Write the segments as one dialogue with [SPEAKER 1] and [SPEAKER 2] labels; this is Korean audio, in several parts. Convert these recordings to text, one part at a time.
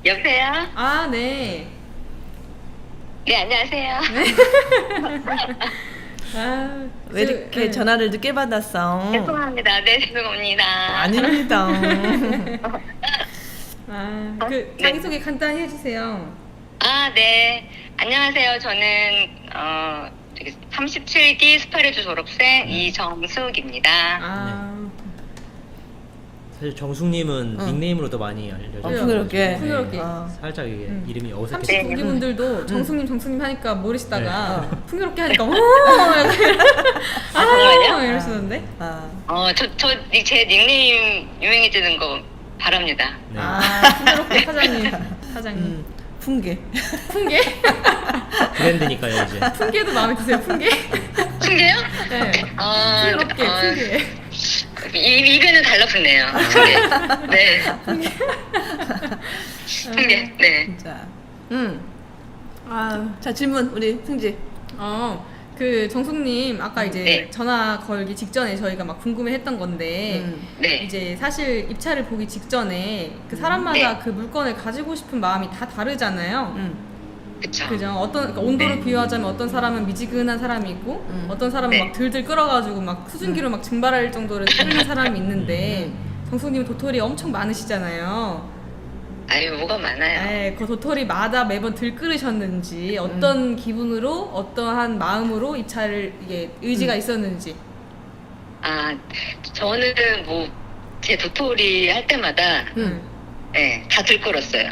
[SPEAKER 1] 여보세요?
[SPEAKER 2] 아, 네.
[SPEAKER 1] 네, 안녕하세요.
[SPEAKER 2] 아,
[SPEAKER 3] 왜 이렇게 전화를 늦게 받았어?
[SPEAKER 1] 죄송합니다. 네, 죄송합니다.
[SPEAKER 3] 아닙니다.
[SPEAKER 2] 그
[SPEAKER 1] 네.
[SPEAKER 2] 자기소개 간단히 해주세요.
[SPEAKER 1] 아, 네. 안녕하세요. 저는, 37기 스파레주 졸업생 이정숙입니다.
[SPEAKER 2] 아,
[SPEAKER 4] 사실 정숙님은
[SPEAKER 3] 응.
[SPEAKER 4] 닉네임으로 더 많이 알려져.
[SPEAKER 3] 풍요롭게.
[SPEAKER 2] 풍요롭게.
[SPEAKER 4] 살짝 이게 이름이 어색해.
[SPEAKER 2] 39기분들도 정숙님 하니까 모르시다가
[SPEAKER 3] 네.
[SPEAKER 2] 풍요롭게 하니까 오!
[SPEAKER 1] 정말요?
[SPEAKER 2] 이러시던데?
[SPEAKER 3] 아,
[SPEAKER 1] 제 닉네임 유명해지는 거 바랍니다.
[SPEAKER 4] 네.
[SPEAKER 2] 풍요롭게 사장님.
[SPEAKER 3] 풍계.
[SPEAKER 2] 풍계?
[SPEAKER 4] 브랜드니까요 이제.
[SPEAKER 2] 풍계도 마음에 드세요, 풍계?
[SPEAKER 1] 풍계요?
[SPEAKER 2] 네. 풍요롭게, 풍계.
[SPEAKER 1] 입에는 달라붙네요. 풍계. 네. 풍계. 네.
[SPEAKER 3] 진짜. 자, 질문, 우리 승지.
[SPEAKER 2] 그 정숙님 아까 이제
[SPEAKER 1] 네.
[SPEAKER 2] 전화 걸기 직전에 저희가 막 궁금해했던 건데
[SPEAKER 1] 네.
[SPEAKER 2] 이제 사실 입찰을 보기 직전에 그 사람마다
[SPEAKER 1] 네.
[SPEAKER 2] 그 물건을 가지고 싶은 마음이 다 다르잖아요.
[SPEAKER 1] 그쵸.
[SPEAKER 2] 그죠? 그러니까 온도를 비유하자면 어떤 사람은 미지근한 사람이 있고 어떤 사람은
[SPEAKER 1] 네.
[SPEAKER 2] 막 들들 끓어가지고 막 수증기로 막 증발할 정도로 끓는 사람이 있는데 정숙님 도토리 엄청 많으시잖아요.
[SPEAKER 1] 아유, 뭐가 많아요.
[SPEAKER 2] 그 도토리마다 매번 들끓으셨는지 어떤 기분으로 어떠한 마음으로 입찰을 이게 의지가 있었는지.
[SPEAKER 1] 저는 제 도토리 할 때마다, 네, 다 들끓었어요.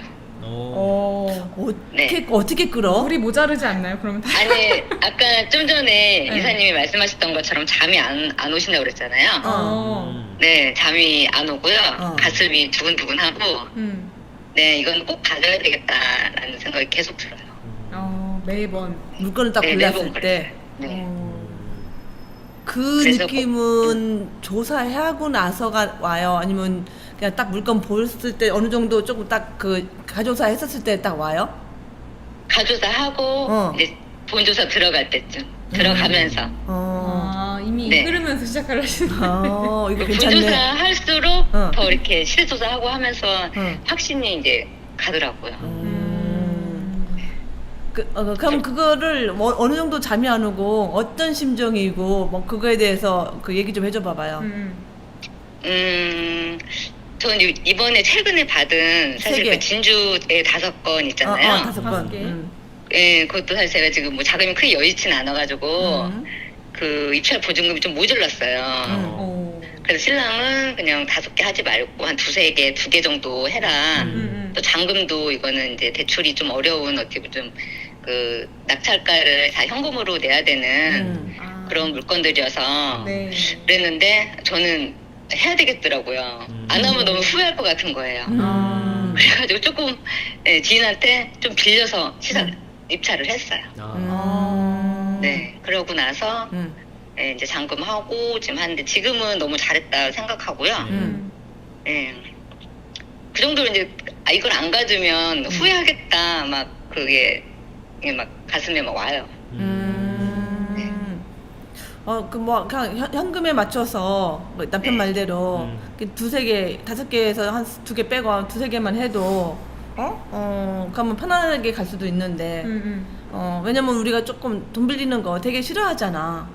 [SPEAKER 3] 어떻게 끌어?
[SPEAKER 2] 물이 모자르지 않나요? 그러면 다.
[SPEAKER 1] 아니, 아까 좀 전에
[SPEAKER 2] 네.
[SPEAKER 1] 이사님이 말씀하셨던 것처럼 잠이 안 오신다고 그랬잖아요. 네, 잠이 안 오고요. 가슴이 두근두근하고, 네, 이건 꼭 가져야 되겠다라는 생각이 계속 들어요.
[SPEAKER 2] 매번.
[SPEAKER 3] 물건을 딱
[SPEAKER 1] 네,
[SPEAKER 3] 골랐을
[SPEAKER 1] 매번
[SPEAKER 3] 때.
[SPEAKER 1] 그랬어요. 네.
[SPEAKER 3] 그
[SPEAKER 1] 그래서
[SPEAKER 3] 느낌은 조사하고 나서가 와요? 아니면 그냥 딱 물건 보였을 때 어느 정도 조금 딱 그 가조사 했었을 때 딱 와요?
[SPEAKER 1] 가조사 하고, 이제 본조사 들어갈 때쯤, 들어가면서.
[SPEAKER 2] 이미
[SPEAKER 1] 네.
[SPEAKER 2] 흐르면서 시작을 하시는.
[SPEAKER 3] 이거
[SPEAKER 1] 본조사
[SPEAKER 3] 괜찮네.
[SPEAKER 1] 할수록
[SPEAKER 3] 어.
[SPEAKER 1] 더 이렇게 실조사하고 하면서
[SPEAKER 3] 어.
[SPEAKER 1] 확신이 이제 가더라고요.
[SPEAKER 3] 그럼 그거를 어느 정도 잠이 안 오고 어떤 심정이고 뭐 그거에 대해서 그 얘기 좀 해줘 봐봐요.
[SPEAKER 1] 저는 이번에 최근에 받은
[SPEAKER 3] 세
[SPEAKER 1] 사실
[SPEAKER 3] 개.
[SPEAKER 1] 그 진주의 5건 있잖아요.
[SPEAKER 3] 5건.
[SPEAKER 2] 개.
[SPEAKER 1] 예, 그것도 사실 제가 지금 뭐 자금이 크게 여의치는 않아가지고 그 입찰 보증금이 좀 모자랐어요. 그래서 신랑은 그냥 5개 하지 말고 한 2개 정도 해라. 또 잔금도 이거는 이제 대출이 좀 어려운 어떻게 좀 그 낙찰가를 다 현금으로 내야 되는 그런 물건들이어서
[SPEAKER 2] 네.
[SPEAKER 1] 그랬는데 저는 해야 되겠더라고요. 안 하면 너무 후회할 것 같은 거예요. 그래가지고 조금 지인한테 좀 빌려서 입찰을 했어요. 네, 그러고 나서 이제 잔금하고 지금 하는데 지금은 너무 잘했다 생각하고요. 그 정도로 이제 이걸 안 가지면 후회하겠다 막 그게 막 가슴에 막 와요.
[SPEAKER 3] 그 뭐 그냥 현금에 맞춰서 뭐 남편 말대로 2-3개, 5개에서 한 2개 빼고 한 2-3개만 해도 그러면 편안하게 갈 수도 있는데 왜냐면 우리가 조금 돈 빌리는 거 되게 싫어하잖아.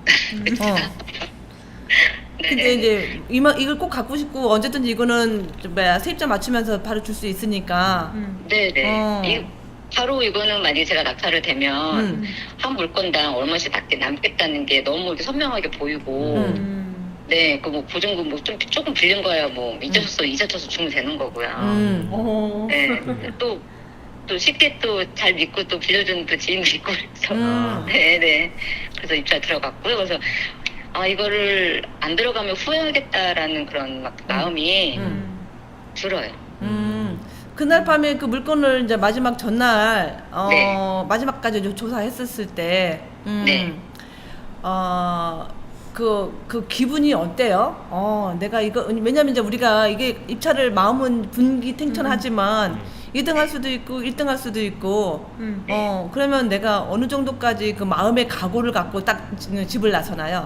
[SPEAKER 3] 근데 이제 이걸 꼭 갖고 싶고 언제든지 이거는 세입자 맞추면서 바로 줄 수 있으니까.
[SPEAKER 1] 네네. 바로 이거는 만약에 제가 낙찰을 되면 한 물건당 얼마씩 밖에 남겠다는 게 너무 이렇게 선명하게 보이고 네, 그 뭐 보증금 뭐 좀 조금 빌린 거야 뭐 이자 쳐서 주면 되는 거고요. 네, 또 쉽게 또 잘 믿고 또 빌려주는 또 지인도 있고 그래서 네네. 그래서 입찰 들어갔고요. 그래서 이거를 안 들어가면 후회하겠다라는 그런 막 마음이 들어요.
[SPEAKER 3] 그날 밤에 그 물건을 이제 마지막 전날
[SPEAKER 1] 네.
[SPEAKER 3] 마지막까지 조사했었을 때
[SPEAKER 1] 네.
[SPEAKER 3] 그 기분이 어때요? 내가 이거 왜냐면 이제 우리가 이게 입찰을 마음은 분기탱천하지만 2등 할 수도 있고 1등 할 수도 있고 그러면 내가 어느 정도까지 그 마음의 각오를 갖고 딱 집을 나서나요?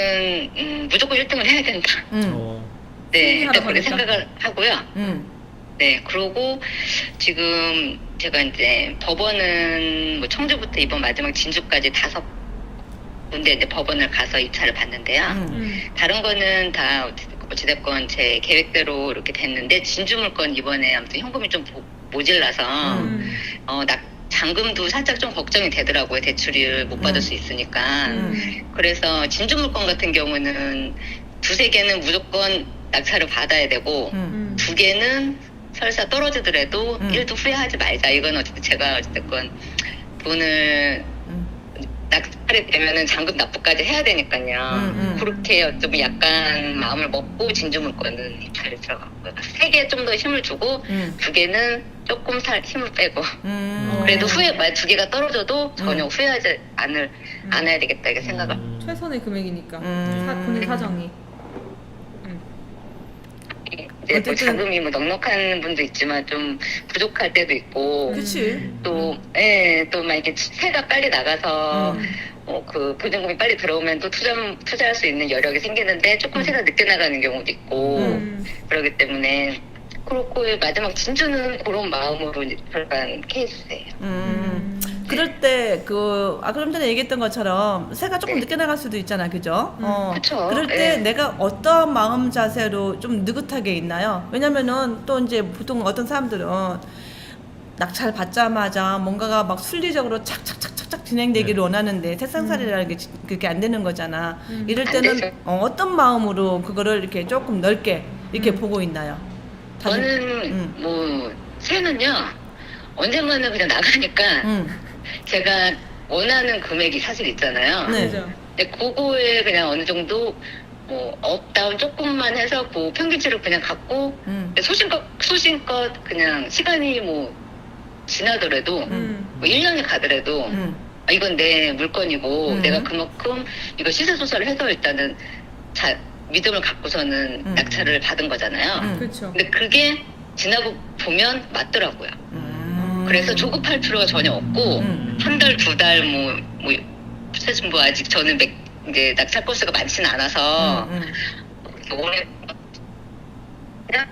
[SPEAKER 1] 저는 무조건 1등을 해야 된다. 네,
[SPEAKER 2] 승리하러
[SPEAKER 1] 일단 그렇게
[SPEAKER 2] 가니까.
[SPEAKER 1] 생각을 하고요. 네, 그러고 지금 제가 이제 법원은 뭐 청주부터 이번 마지막 진주까지 5군데 이제 법원을 가서 입찰을 봤는데요. 다른 거는 다 어찌됐건 제 계획대로 이렇게 됐는데 진주 물건 이번에 아무튼 현금이 좀 모질라서 잔금도 살짝 좀 걱정이 되더라고요. 대출을 못 받을 수 있으니까. 그래서 진주 물건 같은 경우는 2-3개는 무조건 낙찰을 받아야 되고 2개는 설사 떨어지더라도 1도 후회하지 말자. 이건 어쨌든 제가 어쨌든 돈을 낙찰이 되면은 잔금 납부까지 해야 되니까요. 그렇게 좀 약간 마음을 먹고 진주 물건은 입찰에 들어갔고요. 3개 좀 더 힘을 주고 2개는 조금 힘을 빼고 그래도 2개가 떨어져도 전혀 후회하지 않아야 되겠다 이렇게 생각을.
[SPEAKER 2] 최선의 금액이니까 본인 사정이.
[SPEAKER 1] 이제 뭐 자금이 뭐 넉넉한 분도 있지만 좀 부족할 때도 있고.
[SPEAKER 3] 그치.
[SPEAKER 1] 또 막 이렇게 새가 빨리 나가서 그 보증금이 빨리 들어오면 또 투자할 수 있는 여력이 생기는데 조금 새가 늦게 나가는 경우도 있고 그러기 때문에 그렇고 마지막 진주는 그런 마음으로 이제 들어간 케이스예요.
[SPEAKER 3] 그럴 때 그럼 전에 얘기했던 것처럼 새가 조금 늦게 나갈 수도 있잖아, 그죠?
[SPEAKER 1] 그쵸.
[SPEAKER 3] 그럴 때 내가 어떤 마음 자세로 좀 느긋하게 있나요? 왜냐면은 또 이제 보통 어떤 사람들은 낙찰 받자마자 뭔가가 막 순리적으로 착착착착착 진행되기를 원하는데 세상살이라는 게 그렇게 안 되는 거잖아. 이럴 때는 어떤 마음으로 그거를 이렇게 조금 넓게 이렇게 보고 있나요?
[SPEAKER 1] 저는 뭐 새는요 언젠가는 그냥 나가니까 제가 원하는 금액이 사실 있잖아요.
[SPEAKER 3] 네.
[SPEAKER 1] 근데 그거에 그냥 어느 정도 뭐 업다운 조금만 해서 그 평균치를 그냥 갖고 소신껏 그냥 시간이 뭐 지나더라도 뭐 1년이 가더라도 이건 내 물건이고 내가 그만큼 이거 시세조사를 해서 일단은 믿음을 갖고서는 낙찰을 받은 거잖아요.
[SPEAKER 2] 그렇죠.
[SPEAKER 1] 근데 그게 지나고 보면 맞더라고요. 그래서 조급할 필요가 전혀 없고 한 달, 2달 사실 뭐 아직 저는 이제 낙찰 건수가 많지는 않아서 오늘 그냥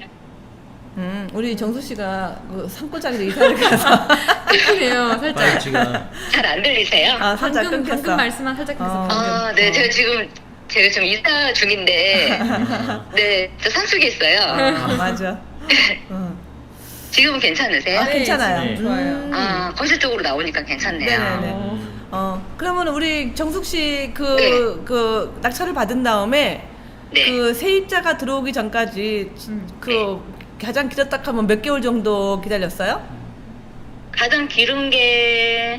[SPEAKER 3] 우리 정수 씨가 그 산골짜기로 이사를 가서
[SPEAKER 2] 끊기네요, 살짝.
[SPEAKER 4] 지금
[SPEAKER 1] 잘 안 들리세요?
[SPEAKER 3] 살짝
[SPEAKER 2] 방금
[SPEAKER 3] 끊겼어.
[SPEAKER 2] 말씀만 살짝 끊겼어.
[SPEAKER 1] 네, 제가 지금 이사 중인데, 네, 저 산속에 있어요.
[SPEAKER 3] 맞아.
[SPEAKER 1] 지금은 괜찮으세요?
[SPEAKER 3] 네, 괜찮아요.
[SPEAKER 4] 네.
[SPEAKER 2] 좋아요.
[SPEAKER 1] 거실 쪽으로 나오니까 괜찮네요.
[SPEAKER 3] 네네네. 그러면 우리 정숙 씨 그 낙찰을 받은 다음에
[SPEAKER 1] 네.
[SPEAKER 3] 그 세입자가 들어오기 전까지 가장 길었다 하면 몇 개월 정도 기다렸어요?
[SPEAKER 1] 가장 길은 게,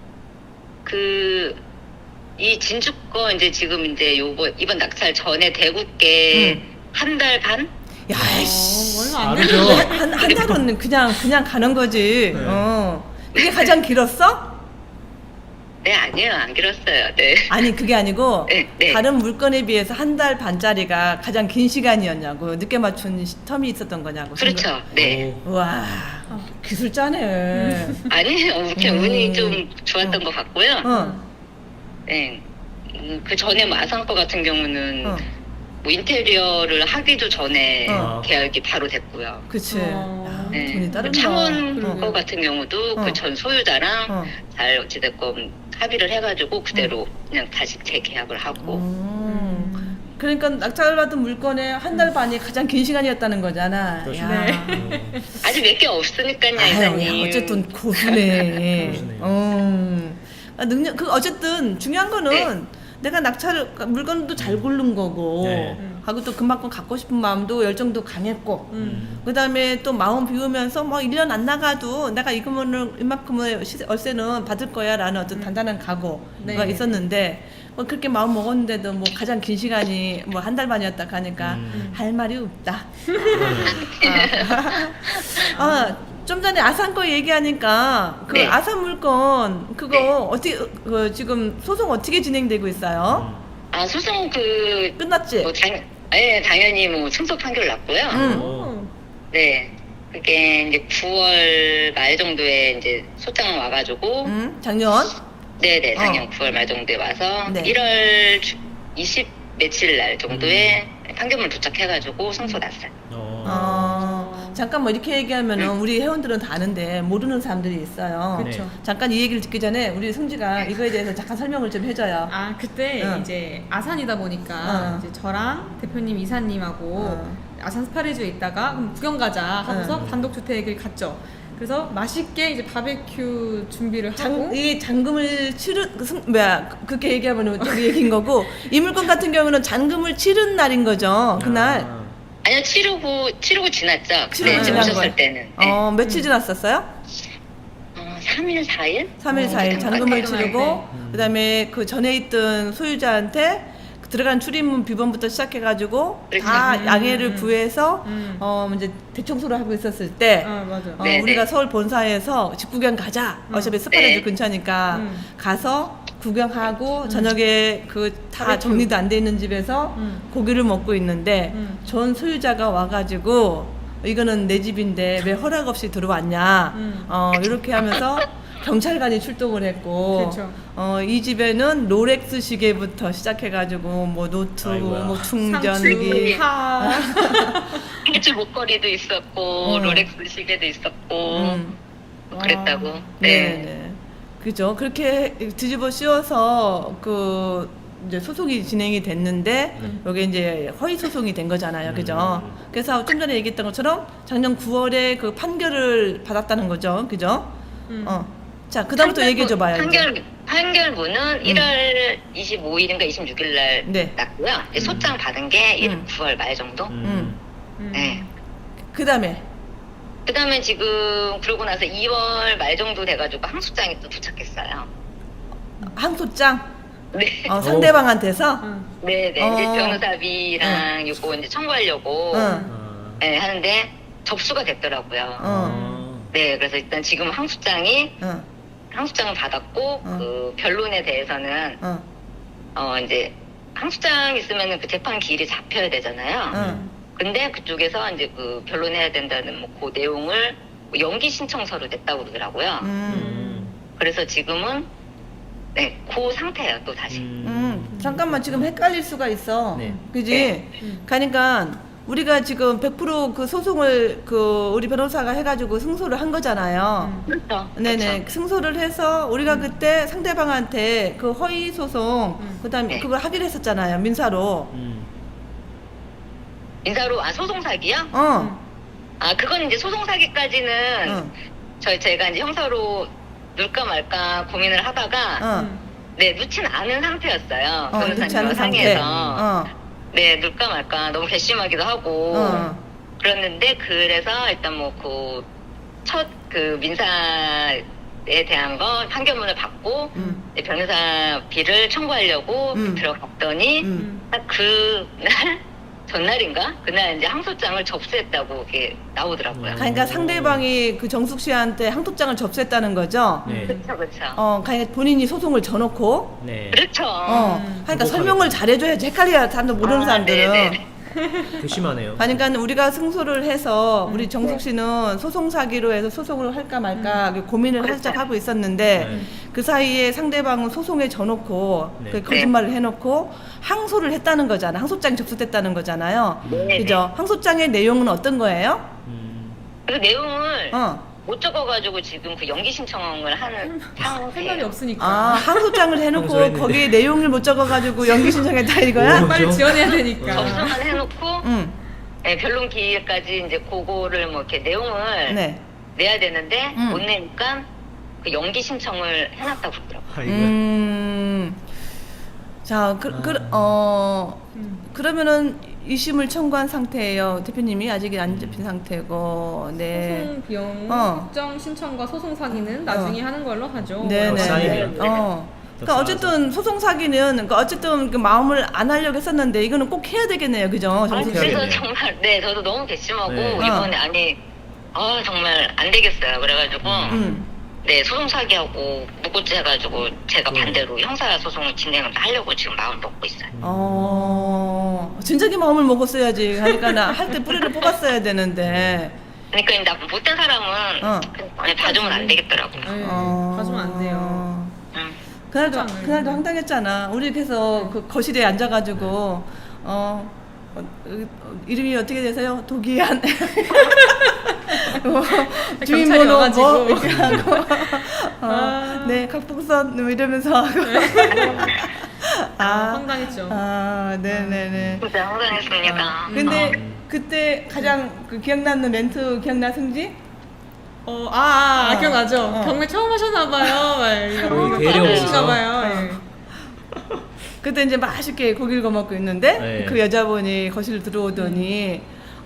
[SPEAKER 1] 이 진주거 이제 지금 이제 이번 낙찰 전에 대구께 한 달 반?
[SPEAKER 3] 야이씨.
[SPEAKER 2] 얼마 안
[SPEAKER 4] 다르죠.
[SPEAKER 2] 되는데.
[SPEAKER 3] 한 달은 그냥 가는 거지.
[SPEAKER 4] 네.
[SPEAKER 3] 그게 가장 길었어?
[SPEAKER 1] 네, 아니에요. 안 길었어요. 네.
[SPEAKER 3] 아니 그게 아니고
[SPEAKER 1] 네.
[SPEAKER 3] 다른 물건에 비해서 한 달 반짜리가 가장 긴 시간이었냐고 늦게 맞춘 텀이 있었던 거냐고.
[SPEAKER 1] 그렇죠. 네.
[SPEAKER 3] 와 기술자네.
[SPEAKER 1] 아니에요. 이렇게 운이 좀 좋았던 것 같고요. 네. 그 전에 뭐 아산거 같은 경우는 뭐 인테리어를 하기도 전에 계약이 바로 됐고요.
[SPEAKER 3] 그치. 야,
[SPEAKER 1] 네.
[SPEAKER 3] 돈이 따른다.
[SPEAKER 1] 창원 거 같은 경우도 그 전 소유자랑 잘 어찌됐건 합의를 해가지고 그대로 그냥 다시 재계약을 하고.
[SPEAKER 3] 그러니까 낙찰 받은 물건의 한 달 반이 가장 긴 시간이었다는 거잖아.
[SPEAKER 4] 그렇죠.
[SPEAKER 3] 야.
[SPEAKER 1] 아직 몇 개 없으니까요,
[SPEAKER 3] 아유,
[SPEAKER 1] 이사님.
[SPEAKER 3] 야, 어쨌든 고수네.
[SPEAKER 4] 고수네요.
[SPEAKER 3] 능력 어쨌든 중요한 거는 내가 낙찰을 물건도 잘 고른 거고
[SPEAKER 4] 네.
[SPEAKER 3] 하고 또 그만큼 갖고 싶은 마음도 열정도 강했고 그다음에 또 마음 비우면서 뭐 1년 안 나가도 내가 이만큼의 월세는 받을 거야 라는 어떤 단단한 각오가 있었는데 뭐 그렇게 마음 먹었는데도 뭐 가장 긴 시간이 뭐 한 달 반이었다 하니까 할 말이 없다. 좀 전에 아산 거 얘기하니까 그
[SPEAKER 1] 네.
[SPEAKER 3] 아산 물건 그거 어떻게 지금 소송 어떻게 진행되고 있어요?
[SPEAKER 1] 소송
[SPEAKER 3] 끝났지?
[SPEAKER 1] 당연히 뭐 승소 판결 났고요. 네. 그게 이제 9월 말 정도에 이제 소장 와가지고.
[SPEAKER 3] 작년?
[SPEAKER 1] 네네, 작년 9월 말 정도에 와서.
[SPEAKER 3] 네.
[SPEAKER 1] 1월 20 며칠 날 정도에 판결문 도착해가지고 승소 났어요.
[SPEAKER 3] 잠깐 뭐 이렇게 얘기하면은 우리 회원들은 다 아는데 모르는 사람들이 있어요.
[SPEAKER 2] 그렇죠.
[SPEAKER 4] 네.
[SPEAKER 3] 잠깐 이 얘기를 듣기 전에 우리 승지가 이거에 대해서 잠깐 설명을 좀 해줘요.
[SPEAKER 2] 아 그때
[SPEAKER 3] 응.
[SPEAKER 2] 이제 아산이다 보니까
[SPEAKER 3] 응.
[SPEAKER 2] 이제 저랑 대표님 이사님하고
[SPEAKER 3] 응.
[SPEAKER 2] 아산 스파리즈에 있다가 그럼 구경 가자 하고서
[SPEAKER 3] 응.
[SPEAKER 2] 단독 주택을 갔죠. 그래서 맛있게 이제 바베큐 준비를 하고
[SPEAKER 3] 이 잔금을 치른 그렇게 얘기하면 좀 얘기인 거고 이 물건 같은 경우는 잔금을 치른 날인 거죠. 그날
[SPEAKER 1] 아니요, 치르고 지났죠.
[SPEAKER 3] 치르고
[SPEAKER 1] 네,
[SPEAKER 3] 지난
[SPEAKER 1] 오셨을
[SPEAKER 3] 거예요?
[SPEAKER 1] 때는.
[SPEAKER 3] 며칠 지났었어요?
[SPEAKER 1] 3일, 4일?
[SPEAKER 3] 3일, 4일 잔금을 치르고
[SPEAKER 2] 네.
[SPEAKER 3] 그다음에 그 전에 있던 소유자한테 들어간 출입문 비번부터 시작해가지고
[SPEAKER 1] 그렇죠.
[SPEAKER 3] 다 양해를 구해서
[SPEAKER 2] 음.
[SPEAKER 3] 이제 대청소를 하고 있었을 때
[SPEAKER 2] 아 맞아.
[SPEAKER 1] 네,
[SPEAKER 3] 우리가
[SPEAKER 1] 네.
[SPEAKER 3] 서울 본사에서 집구경 가자. 어차피 스파레즈
[SPEAKER 1] 네.
[SPEAKER 3] 근처니까 가서 구경하고 저녁에 그 다
[SPEAKER 2] 바베큐.
[SPEAKER 3] 정리도 안 돼 있는 집에서 고기를 먹고 있는데 전 소유자가 와가지고 이거는 내 집인데 왜 허락 없이 들어왔냐. 이렇게 하면서 경찰관이 출동을 했고
[SPEAKER 2] 그렇죠.
[SPEAKER 3] 이 집에는 롤렉스 시계부터 시작해가지고 뭐 노트북,
[SPEAKER 4] 아이고야.
[SPEAKER 3] 뭐
[SPEAKER 2] 상추,
[SPEAKER 3] 충전기
[SPEAKER 2] 파.
[SPEAKER 1] 해주 목걸이도 있었고, 롤렉스 시계도 있었고,
[SPEAKER 3] 음.
[SPEAKER 1] 그랬다고.
[SPEAKER 3] 네. 그죠. 그렇게 뒤집어 씌워서 그 이제 소송이 진행이 됐는데 여기 이제 허위 소송이 된 거잖아요. 그죠. 그래서 좀 전에 얘기했던 것처럼 작년 9월에 그 판결을 받았다는 거죠. 그죠. 자, 그다음부터 얘기해 줘봐요.
[SPEAKER 1] 판결문은 1월 25일인가 26일 날
[SPEAKER 3] 네.
[SPEAKER 1] 났고요. 이제 소장 받은 게 9월 말 정도. 네.
[SPEAKER 3] 그다음에
[SPEAKER 1] 그다음에 지금 그러고 나서 2월 말 정도 돼가지고 항소장이 또 도착했어요.
[SPEAKER 3] 항소장
[SPEAKER 1] 네.
[SPEAKER 3] 상대방한테서
[SPEAKER 1] 네네. 이제 변호사비랑 요거 이제 청구하려고 네, 하는데 접수가 됐더라고요. 네, 그래서 일단 지금 항소장을 받았고 그 변론에 대해서는 이제 항소장 있으면은 그 재판 기일이 잡혀야 되잖아요. 근데 그쪽에서 이제 그 변론해야 된다는 뭐 그 내용을 뭐 연기 신청서로 냈다고 그러더라고요. 그래서 지금은 네, 그 상태예요, 또 다시.
[SPEAKER 3] 잠깐만 지금 헷갈릴 수가 있어.
[SPEAKER 4] 네.
[SPEAKER 3] 그지?
[SPEAKER 1] 네.
[SPEAKER 3] 그러니까 우리가 지금 100% 그 소송을 그 우리 변호사가 해가지고 승소를 한 거잖아요.
[SPEAKER 1] 그렇죠.
[SPEAKER 3] 네네.
[SPEAKER 1] 그렇죠.
[SPEAKER 3] 승소를 해서 우리가 그때 상대방한테 그 허위 소송, 그다음에
[SPEAKER 1] 네.
[SPEAKER 3] 그걸 하기로 했었잖아요. 민사로.
[SPEAKER 1] 민사로 소송 사기요? 그건 이제 소송 사기까지는 제가 이제 형사로 넣을까 말까 고민을 하다가 네, 넣진 않은 상태였어요.
[SPEAKER 3] 넣지 않은
[SPEAKER 1] 변호사님과
[SPEAKER 3] 상태.
[SPEAKER 1] 상의해서 네, 넣을까 말까 너무 괘씸하기도 하고 그랬는데 그래서 일단 뭐 그 첫 그 민사에 대한 거 판결문을 받고 이제 변호사비를 청구하려고 들어갔더니 딱 그날 전날인가? 그날 이제 항소장을 접수했다고 이렇게 나오더라고요.
[SPEAKER 3] 그러니까 상대방이 그 정숙 씨한테 항소장을 접수했다는 거죠.
[SPEAKER 4] 네.
[SPEAKER 1] 그렇죠, 그렇죠.
[SPEAKER 3] 그러니까 본인이 소송을 져놓고.
[SPEAKER 4] 네.
[SPEAKER 1] 그렇죠.
[SPEAKER 3] 그러니까 설명을 잘해줘야지 헷갈려야 사람들 모르는 사람들은.
[SPEAKER 1] 네네.
[SPEAKER 4] 괘씸하네요.
[SPEAKER 3] 그러니까 우리가 승소를 해서 우리 정숙 씨는 소송 사기로 해서 소송을 할까 말까 고민을 살짝 하고 있었는데
[SPEAKER 4] 네.
[SPEAKER 3] 그 사이에 상대방은 소송에 져놓고
[SPEAKER 4] 네.
[SPEAKER 3] 그 거짓말을 해놓고 항소를 했다는 거잖아요. 항소장이 접수됐다는 거잖아요.
[SPEAKER 1] 네.
[SPEAKER 3] 그죠? 항소장의 내용은 어떤 거예요?
[SPEAKER 1] 그 내용을
[SPEAKER 3] 어.
[SPEAKER 1] 못 적어가지고 지금 그 연기 신청을 하는
[SPEAKER 2] 할 말이
[SPEAKER 1] 상황이에요.
[SPEAKER 2] 없으니까.
[SPEAKER 3] 항소장을 해놓고
[SPEAKER 4] 항소했는데.
[SPEAKER 3] 거기에 내용을 못 적어가지고 연기 신청했다 이거야?
[SPEAKER 4] 오.
[SPEAKER 2] 빨리
[SPEAKER 4] 그죠?
[SPEAKER 2] 지원해야 되니까.
[SPEAKER 1] 접수만 해놓고
[SPEAKER 3] 응.
[SPEAKER 1] 네, 변론 기일까지 이제 그거를 뭐 이렇게 내용을
[SPEAKER 3] 네.
[SPEAKER 1] 내야 되는데 못 내니까 그 연기 신청을 해놨다고 그러더라고요.
[SPEAKER 4] 아이고야.
[SPEAKER 3] 자, 그러면은 이심을 청구한 상태예요. 대표님이 아직 안 잡힌 상태고, 네.
[SPEAKER 2] 소송 비용
[SPEAKER 3] 어.
[SPEAKER 2] 확정 신청과 소송 사기는 나중에 하는 걸로 하죠.
[SPEAKER 3] 네네.
[SPEAKER 4] 쌓이면.
[SPEAKER 3] 그러니까 어쨌든 소송 사기는 그러니까 어쨌든 그 마음을 안 하려고 했었는데 이거는 꼭 해야 되겠네요, 그죠? 정숙 씨?
[SPEAKER 1] 그래서
[SPEAKER 4] 해야겠네요.
[SPEAKER 1] 정말 네 저도 너무 괘씸하고
[SPEAKER 4] 네.
[SPEAKER 1] 이번에 정말 안 되겠어요. 그래가지고 네 소송 사기하고 무고죄 해가지고 제가 반대로 형사 소송을 진행을 하려고 지금 마음을 먹고 있어요.
[SPEAKER 3] 진작에 마음을 먹었어야지. 그러니까 나 할 때 뿌리를 뽑았어야 되는데.
[SPEAKER 1] 그러니까 이 나쁜 못된 사람은 그냥 봐주면 안 되겠더라고요.
[SPEAKER 2] 네, 가주면 안 돼요.
[SPEAKER 3] 그날도 황당했잖아. 우리 그래서 그 거실에 앉아가지고 이름이 어떻게 되세요? 도기한.
[SPEAKER 2] 경찰이
[SPEAKER 3] 주민번호
[SPEAKER 2] 와가지고.
[SPEAKER 3] 뭐 이렇게 하고 네 각복선 뭐 이러면서 하고
[SPEAKER 2] 황당했죠.
[SPEAKER 3] 네네네.
[SPEAKER 1] 진짜 황당했습니다.
[SPEAKER 3] 근데 그때 가장 그 기억나는 멘트 기억나 승지?
[SPEAKER 2] 기억나죠? 경매 처음 하셨나봐요.
[SPEAKER 4] 거의 데려오셔서.
[SPEAKER 2] 신가봐요.
[SPEAKER 3] 그때 이제 맛있게 고기를 구워 먹고 있는데
[SPEAKER 4] 네.
[SPEAKER 3] 그 여자분이 거실 들어오더니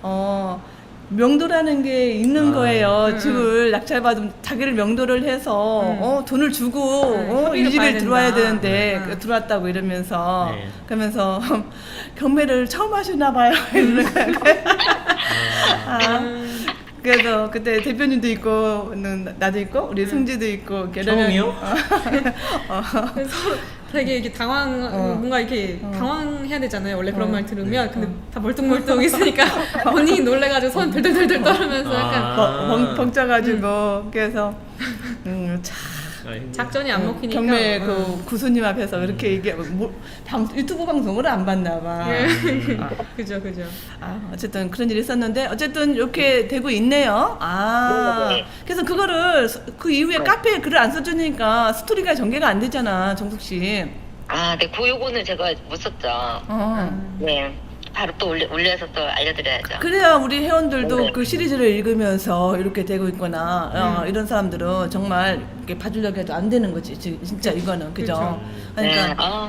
[SPEAKER 3] 명도라는 게 있는 거예요. 집을 낙찰받으면 자기를 명도를 해서 돈을 주고 이
[SPEAKER 2] 협의를 봐야
[SPEAKER 3] 집에 들어와야
[SPEAKER 2] 된다.
[SPEAKER 3] 되는데 들어왔다고 이러면서
[SPEAKER 4] 네.
[SPEAKER 3] 그러면서 경매를 처음 하시나 봐요. 이러는 거예요. 그래서 그때 대표님도 있고 나도 있고 우리 승지도 있고
[SPEAKER 4] 처음이요?
[SPEAKER 2] 그래서 되게 이렇게 뭔가 이렇게 당황해야 되잖아요. 원래 그런 말 들으면. 근데 다 멀뚱멀뚱 있으니까 본인이 놀래가지고 손 덜덜덜덜 떨면서 약간
[SPEAKER 3] 벙쪄가지고 그래서 참
[SPEAKER 2] 작전이 안 먹히니까.
[SPEAKER 3] 경매 그 구수님 앞에서 그렇게 얘기하고 유튜브 방송을 안 봤나 봐.
[SPEAKER 2] 그죠.
[SPEAKER 3] 어쨌든 그런 일이 있었는데 어쨌든 이렇게 되고 있네요. 그래서 그거를 그 이후에 카페에 글을 안 써주니까 스토리가 전개가 안 되잖아, 정숙 씨.
[SPEAKER 1] 네, 그 요거는 제가 못 썼죠. 네, 바로 또 올려서 또 알려드려야죠.
[SPEAKER 3] 그래야 우리 회원들도
[SPEAKER 1] 네.
[SPEAKER 3] 그 시리즈를 읽으면서 이렇게 되고 있구나. 이런 사람들은 정말 이렇게 봐주려고 해도 안 되는 거지. 진짜 이거는 그죠? 그러니까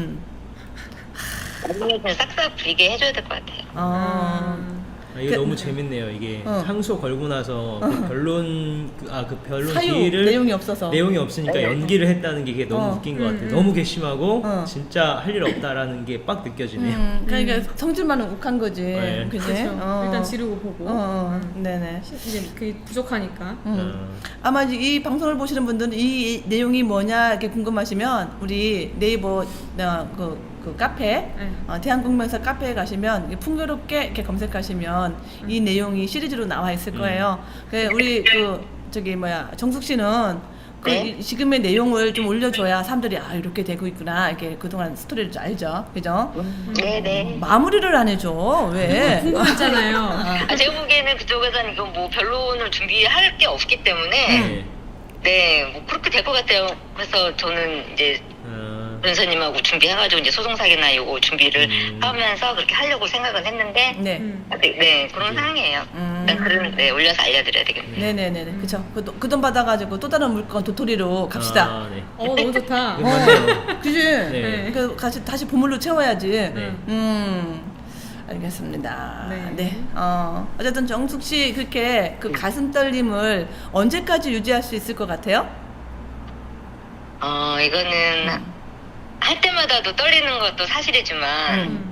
[SPEAKER 1] 나중에 그냥 싹싹 비게 해줘야 될 것 같아요.
[SPEAKER 4] 이게 너무 재밌네요. 이게 상소 걸고 나서 그 변론 변론
[SPEAKER 3] 사유
[SPEAKER 4] 기일을
[SPEAKER 3] 내용이 없어서
[SPEAKER 4] 내용이 없으니까 연기를 했다는 게 이게 너무 웃긴 것 같아요. 너무 괘씸하고 진짜 할 일 없다라는 게 빡 느껴지네요.
[SPEAKER 3] 그러니까 성질만은 욱한 거지.
[SPEAKER 4] 네.
[SPEAKER 3] 그지?
[SPEAKER 2] 그렇죠. 일단 지르고 보고.
[SPEAKER 3] 네네.
[SPEAKER 2] 이제 그게 부족하니까.
[SPEAKER 3] 아마 이 방송을 보시는 분들은 이 내용이 뭐냐 이렇게 궁금하시면 우리 네이버 그 카페 대한국민사 카페에 가시면 이렇게 풍요롭게 이렇게 검색하시면 이 내용이 시리즈로 나와 있을 거예요. 우리 정숙 씨는
[SPEAKER 1] 네.
[SPEAKER 3] 지금의 내용을 좀 올려줘야 사람들이 이렇게 되고 있구나 이렇게 그동안 스토리를 좀 알죠, 그죠?
[SPEAKER 1] 네네.
[SPEAKER 3] 마무리를 안 해줘 왜?
[SPEAKER 2] 궁금했잖아요.
[SPEAKER 1] 제가 보기에는 그쪽에서는 이거 뭐 변론을 준비할 게 없기 때문에 뭐 그렇게 될 것 같아요. 그래서 저는 이제 변호사님하고 준비해가지고 이제 소송사기나 요거 준비를 하면서 그렇게 하려고 생각은 했는데 네 그런 상황이에요. 일단 글은 올려서 알려드려야 되겠네요.
[SPEAKER 3] 네네네 그쵸. 그 돈 받아가지고 또 다른 물건 도토리로 갑시다.
[SPEAKER 4] 네.
[SPEAKER 2] 너무 좋다.
[SPEAKER 4] 맞네요.
[SPEAKER 3] 그지?
[SPEAKER 4] 네.
[SPEAKER 3] 그 다시 보물로 채워야지. 알겠습니다.
[SPEAKER 2] 네.
[SPEAKER 3] 어쨌든 정숙 씨 그렇게 그 가슴 떨림을 언제까지 유지할 수 있을 것 같아요?
[SPEAKER 1] 이거는 할 때마다도 떨리는 것도 사실이지만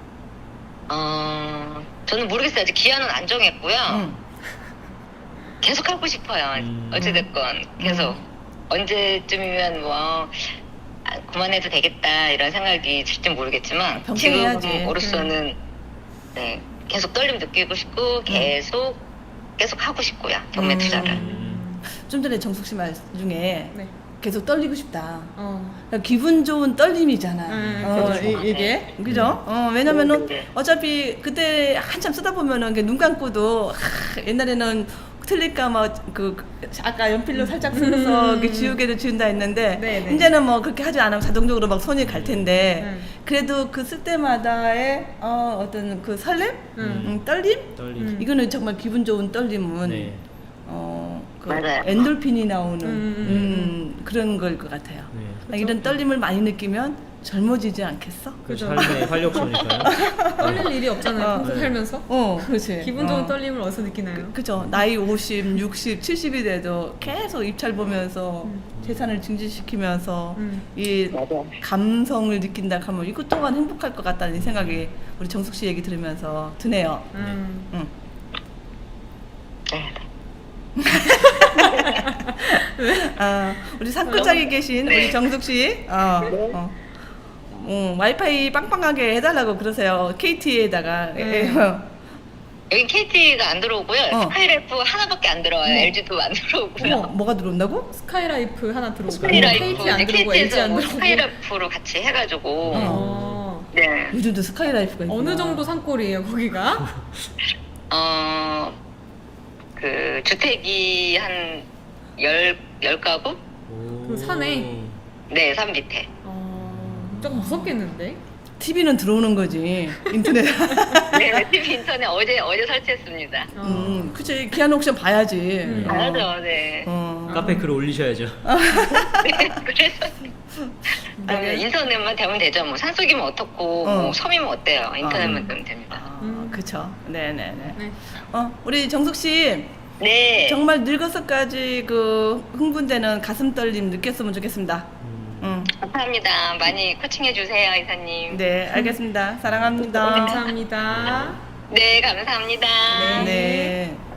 [SPEAKER 1] 저는 모르겠어요. 아직 기한은 안 정했고요. 계속 하고 싶어요. 어찌됐건 계속 언제쯤이면 그만해도 되겠다 이런 생각이 들지 모르겠지만
[SPEAKER 3] 평생 해야지.
[SPEAKER 1] 지금으로서는 네, 계속 떨림 느끼고 싶고 계속 하고 싶고요. 경매 투자를.
[SPEAKER 3] 좀 전에 정숙 씨 말 중에 계속 떨리고 싶다. 그러니까 기분 좋은 떨림이잖아. 이게 그죠? 왜냐면은 어차피 그때 한참 쓰다 보면은 눈 감고도 옛날에는 틀릴까 아까 연필로 살짝 쓰면서 이렇게 지우개를 지운다 했는데 이제는 뭐 그렇게 하지 않으면 자동적으로 막 손이 갈 텐데 그래도 그 쓸 때마다의 어떤 그 설렘, 떨림, 이거는 정말 기분 좋은 떨림은
[SPEAKER 1] 맞아요.
[SPEAKER 3] 엔돌핀이 나오는 그런 걸 것 같아요. 이런 떨림을 많이 느끼면 젊어지지 않겠어?
[SPEAKER 4] 그 삶의 활력소니까요.
[SPEAKER 2] 떨릴 일이 없잖아요. 평소 살면서.
[SPEAKER 3] 그렇지.
[SPEAKER 2] 기분 좋은 떨림을 어디서 느끼나요?
[SPEAKER 3] 그죠. 나이 50, 60, 70이 돼도 계속 입찰 보면서 재산을 증진시키면서 이 감성을 느낀다 하면 이것 또한 행복할 것 같다는 생각이 우리 정숙 씨 얘기 들으면서 드네요. 우리 산골짜기 계신 우리 정숙 씨, 와이파이 빵빵하게 해달라고 그러세요. KT에다가.
[SPEAKER 1] 여긴 KT가 안 들어오고요. 스카이라이프 하나밖에 안 들어와요. LG도 안 들어오고요.
[SPEAKER 3] 뭐가 들어온다고?
[SPEAKER 2] 스카이라이프 하나 들어오고
[SPEAKER 1] 스카이라이프
[SPEAKER 2] KT 안 들어오고 LG 안 들어오고
[SPEAKER 1] 스카이라이프로 같이 해가지고 네.
[SPEAKER 3] 요즘도 스카이라이프가 있구나.
[SPEAKER 2] 어느 정도 산골이에요 거기가?
[SPEAKER 1] 그 주택이 한 10가구?
[SPEAKER 2] 그 산에?
[SPEAKER 1] 네, 산 밑에.
[SPEAKER 2] 조금 무섭겠는데?
[SPEAKER 3] TV는 들어오는 거지. 인터넷.
[SPEAKER 1] 네, TV 인터넷 어제 설치했습니다.
[SPEAKER 3] 그치. 기한 옥션 봐야지.
[SPEAKER 1] 봐야죠, 네.
[SPEAKER 4] 카페 글 올리셔야죠.
[SPEAKER 1] 네, 그래서 인터넷만 되면 되죠. 뭐 산속이면 어떻고, 뭐 섬이면 어때요? 인터넷만 되면 됩니다.
[SPEAKER 3] 그쵸. 네네네.
[SPEAKER 2] 네.
[SPEAKER 3] 우리 정숙 씨.
[SPEAKER 1] 네.
[SPEAKER 3] 정말 늙어서까지 그 흥분되는 가슴 떨림 느꼈으면 좋겠습니다.
[SPEAKER 1] 감사합니다. 많이 코칭해 주세요, 이사님.
[SPEAKER 3] 네, 알겠습니다. 사랑합니다.
[SPEAKER 2] 감사합니다.
[SPEAKER 1] 네, 감사합니다.
[SPEAKER 3] 네.